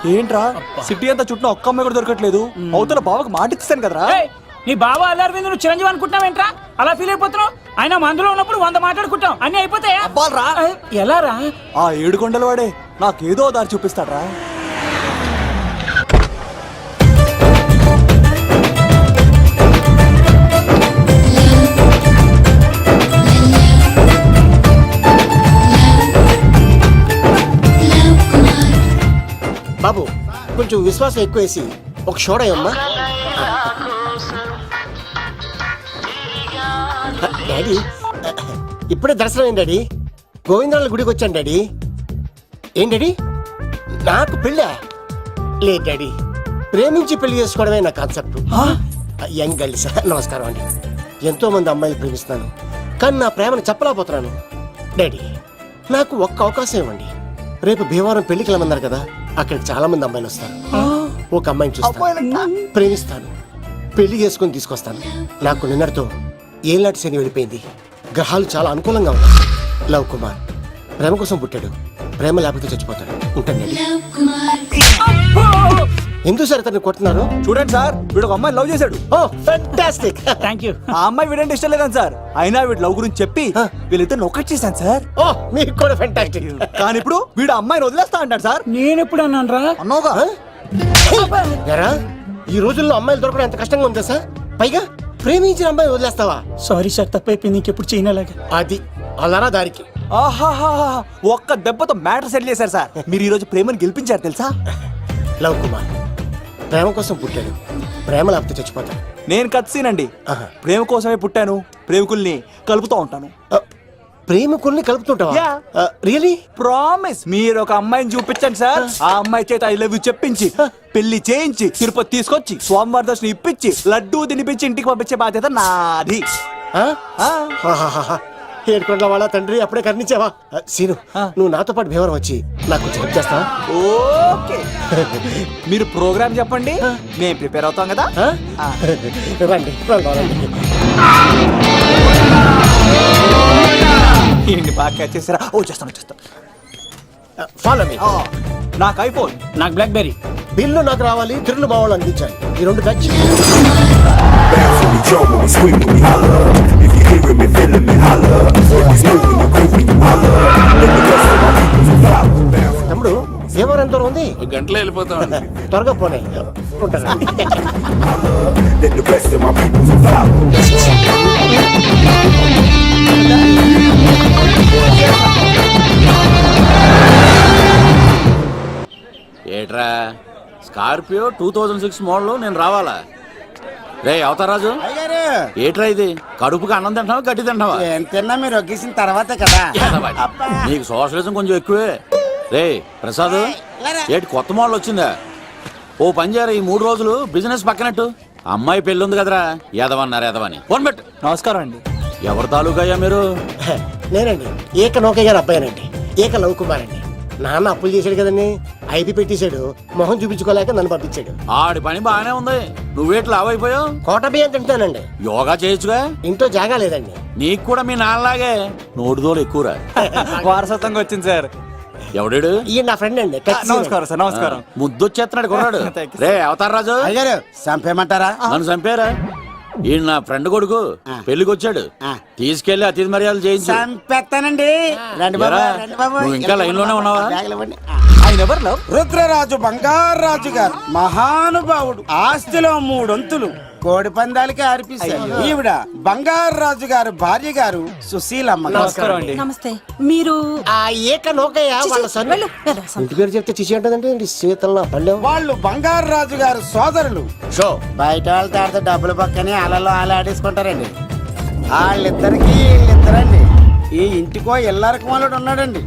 ఏంట్రా సిటీ అంతా చుట్టూ ఒక్క అమ్మాయి కూడా దొరకట్లేదు. అవతల బావకు మాట ఇస్తాను కదరా. నీ బావ అల్లరి నువ్వు చిరంజీవి అనుకుంటున్నావేంట్రా? అలా ఫీల్ అయిపోతున్నావు. ఆయన మందులో ఉన్నప్పుడు 100 మాట్లాడుకుంటాం, అన్ని అయిపోతాయా? అబ్బాల్రా ఎలా రా? ఆ 7 కొండల వాడే నాకేదో దారి చూపిస్తాడ్రా. బాబు కొంచెం విశ్వాసం ఎక్కువేసి ఒక షోడయమ్మా. డాడీ ఇప్పుడే దర్శనం అయింది డాడీ. గోవిందరాల గుడికి వచ్చాను డాడీ. ఏం డాడీ నాకు పెళ్ళా? లేదు డాడీ, ప్రేమించి పెళ్లి చేసుకోవడమే నా కాన్సెప్ట్. యంగ్ గర్ల్స్ నమస్కారం అండి. ఎంతో మంది అమ్మాయిలు ప్రేమిస్తున్నాను, కానీ నా ప్రేమను చెప్పలేకపోతున్నాను. డాడీ నాకు ఒక్క అవకాశం ఇవ్వండి. రేపు భీమవరం పెళ్లికి వెళ్ళమన్నారు కదా, అక్కడికి చాలా మంది అమ్మాయిలు వస్తారు. ఒక అమ్మాయిని చూస్తాను, ప్రేమిస్తాను, పెళ్లి చేసుకుని తీసుకొస్తాను. నాకు నిన్నటితో ఏలాంటి శని వెళ్ళిపోయింది. గ్రహాలు చాలా అనుకూలంగా ఉన్నాయి. లవ్ కుమార్ ప్రేమ కోసం పుట్టాడు, ప్రేమ లేకపోతే చచ్చిపోతాడు. ఉంటాను. ఎందుకు సార్ అతన్ని కొడుతున్నారు? చూడండి సార్, వీడు ఒక అమ్మాయి లవ్ చేశాడు. Oh fantastic. Thank you. ఆ అమ్మాయి వీడంటే ఇష్టం లేదని సార్, అయినా వీడు లవ్ గురించి చెప్పి వీళ్ళిద్దరు ఒకటి చేశాను సార్. ఓ మీకు కూడా ఫెంటాస్టిక్. కానీ ఇప్పుడు వీడు అమ్మాయిని వదిలేస్తా అంటాడు సార్. నేను ఎప్పుడు అన్నాను రా? అన్నోగా ఎరా ఈ రోజుల్లో అమ్మాయిలు దొరకడం ఎంత కష్టంగా ఉందా సార్? పైగా ప్రేమించిన అమ్మాయి వదిలేస్తావా? సారీ సార్, తప్పైపోయింది. ఇంకెప్పుడు చేయనలాగా. అది అలారా దారికి. ఆహాహా ఒక్క దెబ్బతో మ్యాటర్ సెటిల్ చేశారు సార్. మీరు ఈ రోజు ప్రేమను గెలిపించారు తెలుసా? లవ్ కుమార్ ప్రేమ కోసం పుట్టాడు, ప్రేమ లేకపోతే చచ్చిపోతాడు. నేను కత్సీనండి. ప్రేమ కోసమే పుట్టాను, ప్రేమికుల్ని కలుపుతూ ఉంటాను. ప్రేమికుల్ని కలుపుతుంటావా? రియలీ? ప్రామిస్. మీరు ఒక అమ్మాయిని చూపించండి సార్, ఆ అమ్మాయి చేత ఐ లవ్ యూ చెప్పించి పెళ్లి చేయించి తిరుపతి తీసుకొచ్చి స్వామివారి దర్శనం ఇప్పించి లడ్డూ తినిపించి ఇంటికి పంపించే బాధ్యత నాది. ఏడుకొండల వాళ్ళ తండ్రి అప్పుడే కర్ణించావా? సీను నువ్వు నాతో పాటు భీవరం వచ్చి నాకు కొంచెం హెల్ప్ చేస్తావా? ఓకే. మీరు ప్రోగ్రామ్ చెప్పండి, మేము ప్రిపేర్ అవుతాం కదా. రండి రండి. ఏంటి బాగా క్యాచ్ చేసారా? ఓ చేస్తాను. Follow me. నాకు ఐఫోన్, నాకు బ్లాక్ బెర్రీ. బిల్లు నాకు రావాలి, తిరులు మా వాళ్ళు అందించాలి. ఈ రెండు ఖర్చు. తమ్ముడు భీమవరం ఎంత దూరం ఉంది? గంటలో వెళ్ళిపోతాం. త్వరగా పోనీ. ఉంటాను. ఏట్రా స్కార్పియో 2006 మోడల్ నేను రావాలా? రే అవతారాజు, ఏట్రా ఇది? కడుపుకి అన్నం తింటావా గడ్డి తింటావా? తిన్నా మీరు ఒగ్గేసిన తర్వాతే కదా. నీకు సోషలిజం కొంచెం ఎక్కువే. రే ప్రసాద్, ఏటి కొత్త మోడల్ వచ్చిందా? ఓ పని చేయరా, ఈ 3 రోజులు బిజినెస్ పక్కనట్టు. అమ్మాయి పెళ్ళి ఉంది కదరా, ఎదవని ఫోన్ పెట్టు. నమస్కారం అండి. ఎవరి తాలూకయ్యా మీరు? నేనండి ఏక నౌకయ్య గారు అబ్బాయినండి. ఏక లవ్ కుమార్ అండి. నాన్న అప్పులు చేశాడు కదండి, ఐపీ పెట్టేశాడు. మొహం చూపించుకోలేక నన్ను పంపించాడు. ఆడి పని బాగానే ఉంది, నువ్వేట్లు లావైపోయావు. కోట బియ్యం తింటానండి. యోగా చేయొచ్చుగా. ఇంట్లో జాగా లేదండి. నీకు కూడా మీ నాన్నలాగే నోటిదోలు ఎక్కువరా. వారసత్వంగా వచ్చింది సార్. ఎవడాడు? ఈయన నా ఫ్రెండ్ అండి. నమస్కారం సార్. నమస్కారం. ముద్దొచ్చేస్తున్నాడు కొన్నాడు. రే అవతార్ రాజు, అయ్యారు చంపేయమంటారా? నన్ను చంపారా? ఈయన నా ఫ్రెండ్ కొడుకు, పెళ్లికి వచ్చాడు. తీసుకెళ్లి అతిథి మర్యాదలు చేయించు. చంపేస్తానండి. రండి బాబు, రండి బాబు. నువ్వు ఇంకా లైన్ లోనే ఉన్నావా? ఆయన ఎవరు లవ్? రుద్రరాజు బంగారాజు గారు మహానుభావుడు. ఆస్తిలో 3 వంతులు కోడి పందాలకి అర్పిస్తారు. ఈవిడ బంగారాజు గారు భార్య గారు సుశీలమ్మ. నమస్కారం అండి. నమస్తే. మీరు ఆ ఏక నౌకయ్య వాళ్ళ సన్. ఇంటి పేరు చెప్తే చిచి అంటదండి. శీతల పల్లెం. వాళ్ళు బంగారాజు గారు సోదరులు. షో బయట వాళ్ళతో ఆడితే డబ్బులు పక్కనే అలలో ఆడేసుకుంటారండి. వీళ్ళిద్దరండి. ఈ ఇంటికో ఇల్లరకం వాళ్ళడు ఉన్నాడండి.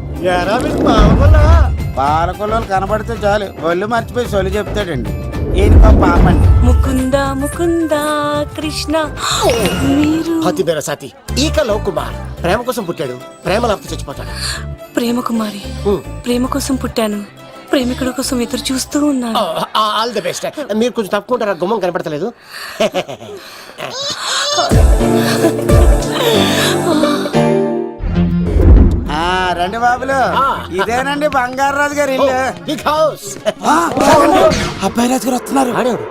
పాలకొల్లు కనబడితే చాలు ఒళ్ళు మర్చిపోయి సొలి చెప్తాడండి. ఈయన పాపండి. ముకుంద ముకుంద కృష్ణ. మీరు హతి బేర సాతి ఈక లవ్ కుమార్ ప్రేమ కోసం పుట్టాడు, ప్రేమ లేకపోతే చచ్చిపోతాడు. ప్రేమ కుమారి. ప్రేమ కోసం పుట్టాను, ప్రేమికుడు కోసం ఎదురు చూస్తూ ఉన్నాను. All the best. మీరు కొంచెం తప్పుకుంటారా? గుమ్మం కనపడతలేదు. రండి బాబులు ఇదేనండి బంగారాజు గారి ఇల్లు బిగ్ హౌస్. అబ్బాయి రాజు గారు వస్తున్నారు. ఆడేవాడు.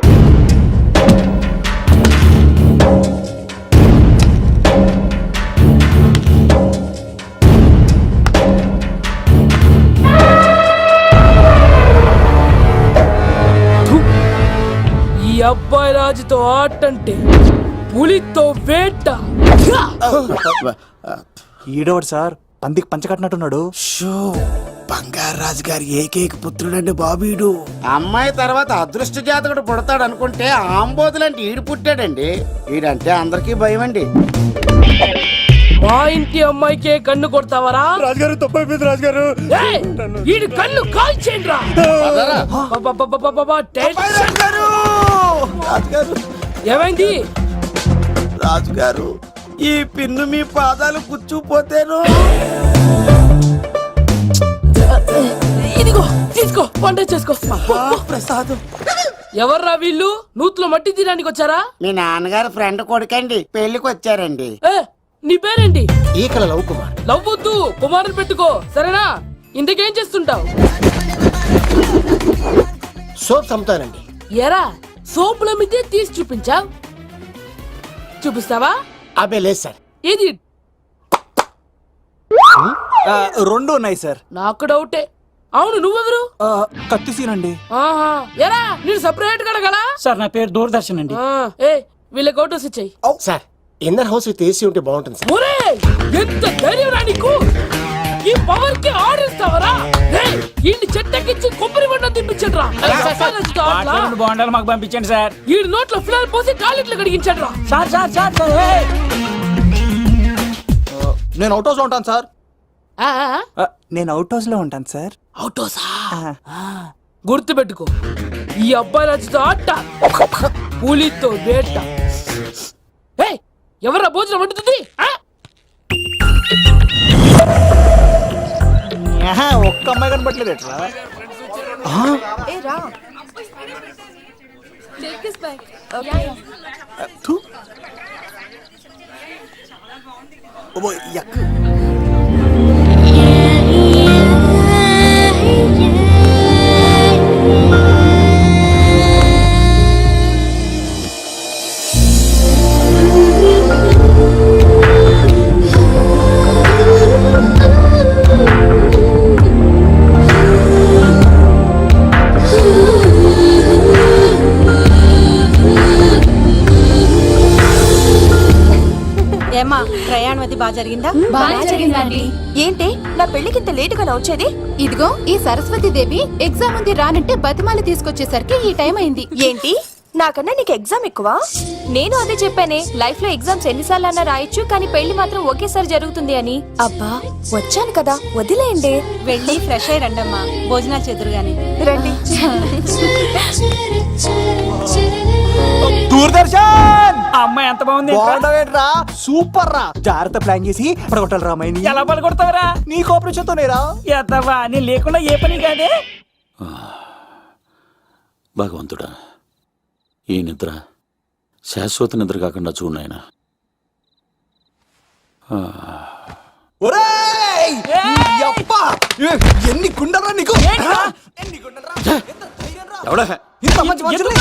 ఈ అబ్బాయి రాజుతో ఆటంటే పులితో వేట. ఈడోడు సార్ పందికి పంచకట్టినట్టున్నాడు. షో బంగారాజు గారి ఏకైక పుత్రుడండి బాబీడు. అమ్మాయి తర్వాత అదృష్ట జాతకుడు పుడతాడు అనుకుంటే ఆంబోతులంటే ఈడు పుట్టాడండి. ఈడంటే అందరికీ భయం అండి. మా ఇంటి అమ్మాయికే కన్ను కొడతావరా? రాజుగారు తప్పైపోయింది రాజుగారు. ఏయ్, ఈడి కన్ను కాల్చేయండి రా. రాజుగారు ఏమైంది? రాజుగారు ఈ పిన్ను మీ పాదాలు కూర్చుపోతేను. ఇదిగో తీసుకో, వంట చేసుకో. ప్రసాద్ ఎవర్రా వీళ్ళు? నూతులో మట్టి తీయడానికి వచ్చారా? మీ నాన్నగారు ఫ్రెండ్ కొడుకండి, పెళ్లికి వచ్చారండి. ఏ, నీ పేరేంటి? ఈకల లవ్ కుమార్. నవ్వొద్దు, కుమారుని పెట్టుకో సరేనా? ఇంతకేం చేస్తుంటావు? సోప్స్ అమ్ముతానండి. ఎరా సోపుల మీదే తీసి చూపించావు. చూపిస్తావా? అబ్బే లేదు సార్. ఏది? రెండు ఉన్నాయి సార్. నాకు డౌటే. అవును, నువ్వెవరు? కత్తిసీనండి. ఆహా, ఎరా నేను సపరేట్ కడగలా? సార్ నా పేరు దూరదర్శన్ అండి. ఏ వీళ్ళ గోటోస్ ఇచ్చాయి. Sir inner house with AC ఉంటే బాగుంటుంది సార్. ఒరే ఎంత ధైర్యం రా నీకు! ఈ పవర్ కి ఆడిస్తావరా? ఈ చెట్టెక్కించి కొబ్బరి బండ తిప్పించండి రా. రెండు బాండాలు మాకు పంపించండి సార్. ఈ నోట్లో ఫిల్టర్ పోసి టాయిలెట్లు కడిగించండి రా. సార్ సార్ సార్ సార్ ఏయ్! నేను అవుట్ హౌస్ లో ఉంటాను సార్. ఆ, ఆ, నేను అవుట్ హౌస్ లో ఉంటాను సార్. అవుటోసా? గుర్తు పెట్టుకో, ఈ అబ్బాయి రాజుతో ఆట, పులితో వేట. ఎవరా భోజనం వండుతుంది? ఒక్క అమ్మాయి కనపట్లేదు ఎట్లా? ఏమా ప్రయాణం అది బాగా జరిగిందా? బాగా జరిగిందండి. ఏంటి నా పెళ్లికి ఇంత లేటుగా వచ్చేది? ఇదిగో ఈ సరస్వతి దేవి ఎగ్జామ్ ఉంది రానంటే బతిమాలి తీసుకొచ్చేసరికి ఈ టైం అయింది. ఏంటి నాకన్నా నీకు ఎగ్జామ్ ఎక్కువ? నేను అదే చెప్పానే, లైఫ్ లో ఎగ్జామ్స్ ఎన్నిసార్లు అన్నా రాయొచ్చు, కానీ పెళ్లి మాత్రం ఒకేసారి జరుగుతుంది అని. అబ్బా వచ్చాను కదా వదిలేయండి. వెళ్ళి ఫ్రెష్ అయ్యి రండమ్మా, భోజనాలు చెదురు గాని రండి. దూరదర్శన్ ఆ అమ్మాయి ఎంత బాగుంది. బాగుండవేట్రా? సూపర్ రా. జాగ్రత్త ప్లాన్ చేసి పడగొట్టాలి రామాయణి. ఎలా పలుకొడతావరా? నీ కోఆపరేషన్ తోనేరా. ఎద్దవా నేను లేకుండా ఏ పని కాదే. భగవంతుడా, ఈ నిద్ర శాశ్వత నిద్ర కాకుండా చూడు నాయనా. ఒరేయ్! ఈ అబ్బ! ఎన్ని గుండెలరా నీకు? ఎన్ని గుండెలరా? ఎంత ధైర్యం రా? ఎవడా ఇంత మంచి మనుషుల్ని?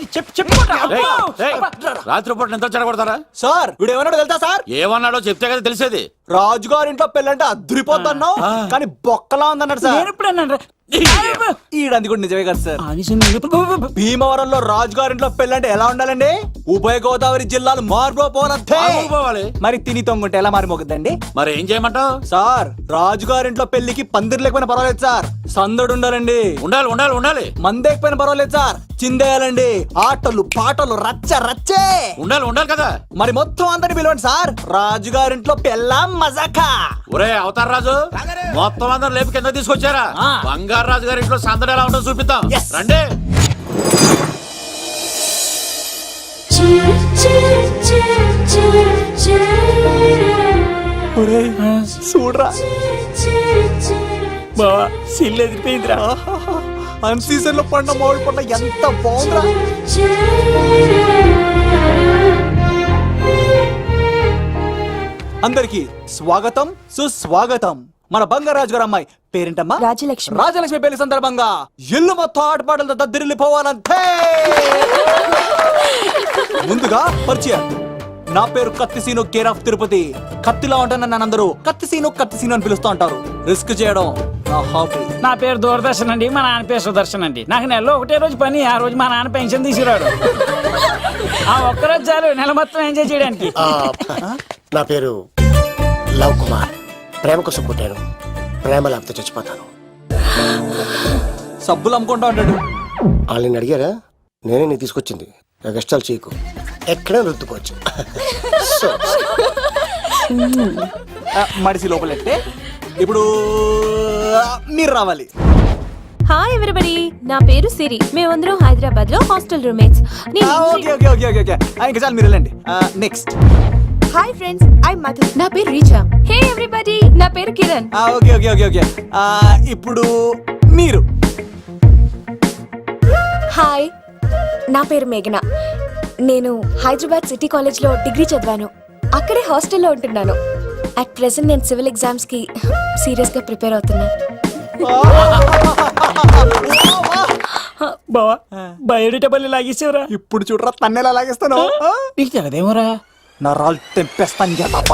రాత్రిపూట నిద్ర చెడగొడతారా? సార్ వీడు ఏమన్నాడు తెలుసా సార్? ఏమన్నాడో చెప్తే కదా తెలిసేది. రాజుగారింట్లో పెళ్ళంటే అద్దరిపోతున్నావు, కానీ బొక్కలా ఉందన్నాడు సార్. నేను ఇప్పుడు అన్నాను ఈడంది కూడా నిజమే కదా సార్. భీమవరంలో రాజుగారింట్లో పెళ్ళంటే ఎలా ఉండాలండి? ఉభయ గోదావరి జిల్లాలు మారిపోవాలంతే. పోవాలి. మరి తిని తొంగుంటే ఎలా మారిపోతుందండి? మరి ఏం చేయమంటావు? సార్ రాజుగారింట్లో పెళ్లికి పందిరి లేకపోయినా పర్వాలేదు సార్, సందడు ఉండాలండి. ఉండాలి ఉండాలి ఉండాలి. మందేకపోయినా పర్వాలేదు సార్, చిందేయాలండి. ఆటలు పాటలు రచ్చ రచ్చే ఉండాలి ఉండాలి కదా. మరి మొత్తం అందరిని పిలవండి సార్, రాజుగారింట్లో పెళ్ళాం మజాకా. ఒరే అవతార్ రాజు, మొత్తం అందరు లేపు కింద తీసుకొచ్చారా? బంగారు రాజు గారి ఇంట్లో సందడి ఎలా ఉంటుందో చూపిద్దాం. రండి. చూడరా బావా సిల్ ఎదిరిపోయిందిరా. అన్ సీజన్ లో పండ మామిడి పండ ఎంత బాగుందిరా. అందరికి స్వాగతం సుస్వాగతం. మన బంగారాజు గారు అమ్మాయి పేరేంటమ్మా? రాజలక్ష్మి. రాజలక్ష్మి పెళ్లి సందర్భంగా ఇల్లు మొత్తం ఆటపాటలతో దద్దరిల్లిపోవాలంతే. ముందుగా పరిచయం. నా పేరు కత్తిసీను, కేర్ ఆఫ్ తిరుపతి. కత్తిలా ఉంటాను నన్ను అందరూ కత్తిసీను అని పిలుస్తూ ఉంటారు. రిస్క్ చేయడం నా హాబీ. నా పేరు దూరదర్శన్ అండి, మా నాన్న పేరు సుదర్శన్ అండి. నాకు నెలలో ఒకటే రోజు పని, ఆ రోజు మా నాన్న పెన్షన్ తీసుకురాడు. ఆ ఒక్కరోజు చాలు నెల మొత్తం ఎంజాయ్ చేయడానికి. నా పేరు లవ్ కుమార్. ప్రేమ కోసం పుట్టాను, ప్రేమ లేకపోతే చచ్చిపోతాను. సబ్బులు అమ్ముకుంటా ఉంటాడు. వాళ్ళని అడిగారా? నేనే నీ తీసుకొచ్చింది. కష్టాలు చేయకు, ఎక్కడ రుద్దుకోవచ్చు. సో, మడిసి లోపలెట్టే. ఇప్పుడు మీరు రావాలి. హాయ్ ఎవ్రీబడి, నా పేరు సిరి. మేమందరం హైదరాబాద్ లో hostel roommates. Okay okay okay okay okay ఇంకా చాలు, మీరు వెళ్ళండి. Next. Hi friends, I Madhu. నా పేరు రీచా. హే ఎవ్రీబడి, నా పేరు Kiran. Okay okay okay okay ఇప్పుడు మీరు. హాయ్, నా పేరు మేఘన. నేను హైదరాబాద్ సిటీ కాలేజ్ లో డిగ్రీ చదివాను. అక్కడే హాస్టల్లో ఉంటున్నాను. అట్ ప్రెసెంట్ నేను సివిల్ ఎగ్జామ్స్ కి సీరియస్ గా ప్రిపేర్ అవుతున్నా. బావా బయోడేటబుల్ లాగేసేవరా. ఇప్పుడు చూడరా తన్నెలా లాగేస్తాను. నీకు తెగదేమోరా. నా రాళ్ళు తెంపేస్తాను తప్ప.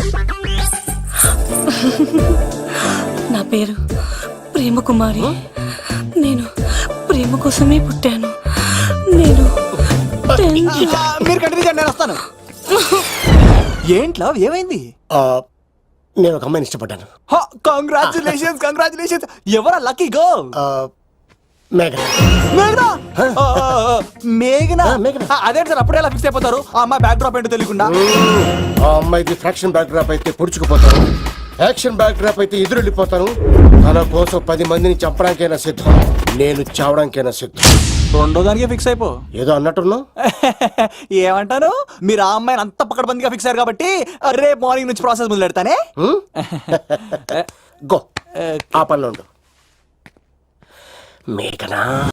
నా పేరు ప్రేమ కుమారి. నేను ప్రేమ కోసమే పుట్టాను. నేను మీరు కంటిన్యూ చేయండి, నేను వస్తాను. ఏంట్లో ఏమైంది? నేను ఒక అమ్మాయిని ఇష్టపడ్డాను. Congratulations congratulations. ఎవరా లక్కీ గర్ల్? మేఘన. మేఘనా? మేఘనా? మేఘనా. అదే సార్, అప్పుడే ఎలా ఫిక్స్ అయిపోతారు? ఆ అమ్మాయి బ్యాక్ డ్రాప్ ఏంటో తెలియకుండా. ఆ అమ్మాయిది ఫ్రాక్షన్ బ్యాక్ డ్రాప్ అయితే పొడుచుకుపోతాను, యాక్షన్ బ్యాక్ డ్రాప్ అయితే ఎదురెళ్ళిపోతాను. తన కోసం 10 మందిని చంపడానికైనా సిద్ధం, నేను చావడానికైనా సిద్ధం. రెండో దానికి ఫిక్స్ అయిపో. ఏదో అన్నట్టున్నావు. ఏమంటాను? మీరు ఆ అమ్మాయిని అంత పక్కడబందిగా ఫిక్స్ అయ్యారు కాబట్టి రేపు మార్నింగ్ నుంచి ప్రాసెస్ మొదలు పెడతానే. గో, ఆ పనిలో ఉండు. మేఘనా.